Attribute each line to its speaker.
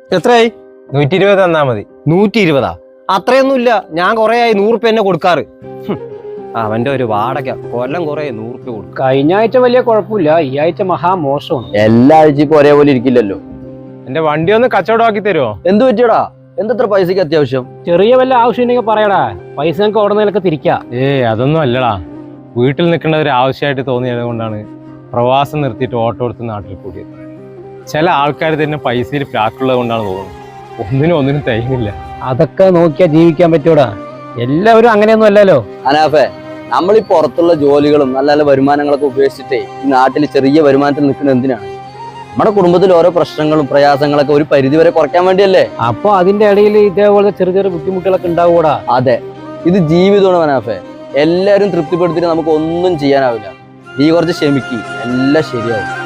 Speaker 1: എത്രയായി?
Speaker 2: 120 തന്നാ മതി.
Speaker 1: 120? അത്രയൊന്നുമില്ല, ഞാൻ കൊറേ ആയി 100 റുപ്യ എന്നെ കൊടുക്കാറ്. അവന്റെ ഒരു വാടക കൊല്ലം കൊറേ 100 റുപ്യ കൊടുക്കും.
Speaker 3: കഴിഞ്ഞ ആഴ്ച വലിയ കുഴപ്പമില്ല, ഈ ആഴ്ച മഹാമോശമാണ്.
Speaker 4: എല്ലാ ആഴ്ചക്കും ഒരേപോലെ ഇരിക്കില്ലല്ലോ.
Speaker 2: എന്റെ വണ്ടി ഒന്ന് കച്ചവടമാക്കി തരുമോ?
Speaker 4: എന്ത് പറ്റിയടാ? എന്തത്ര പൈസക്ക് അത്യാവശ്യം?
Speaker 3: ചെറിയ വല്ല ആവശ്യം ഉണ്ടെങ്കിൽ പറയടാ, പൈസ ഞങ്ങൾക്ക് അവിടെ നിന്നൊക്കെ തിരിക്കാം.
Speaker 2: അതൊന്നും അല്ലടാ, വീട്ടിൽ നിൽക്കേണ്ട ഒരു ആവശ്യമായിട്ട് തോന്നിയത് കൊണ്ടാണ് പ്രവാസം നിർത്തിയിട്ട് ഓട്ടോ എടുത്ത് നാട്ടിൽ കൂടിയത്. ചില ആൾക്കാർ തന്നെ പൈസയിൽ ഫ്ലാറ്റുള്ളത് കൊണ്ടാണ് തോന്നുന്നത്, ഒന്നിനും തികയില്ല.
Speaker 3: അതൊക്കെ നോക്കിയാ ജീവിക്കാൻ പറ്റൂടാ, എല്ലാവരും അങ്ങനെയൊന്നും അല്ലല്ലോ.
Speaker 4: അനാഫെ, നമ്മൾ ഈ പുറത്തുള്ള ജോലികളും നല്ല നല്ല വരുമാനങ്ങളൊക്കെ ഉപേക്ഷിച്ചിട്ടേ ഈ നാട്ടിൽ ചെറിയ വരുമാനത്തിൽ നിൽക്കുന്നത് എന്തിനാണ്? നമ്മുടെ കുടുംബത്തിൽ ഓരോ പ്രശ്നങ്ങളും പ്രയാസങ്ങളൊക്കെ ഒരു പരിധി വരെ കുറയ്ക്കാൻ വേണ്ടിയല്ലേ.
Speaker 3: അപ്പൊ അതിന്റെ ഇടയിൽ ഇതേപോലെ ചെറിയ ചെറിയ ബുദ്ധിമുട്ടുകളൊക്കെ ഉണ്ടാവൂടാ.
Speaker 4: അതെ, ഇത് ജീവിതമാണ് അനാഫെ. എല്ലാരും തൃപ്തിപ്പെടുത്തിയിട്ട് നമുക്ക് ഒന്നും ചെയ്യാനാവില്ല. നീ കുറച്ച് ക്ഷമിക്ക്, എല്ലാം ശരിയാവും.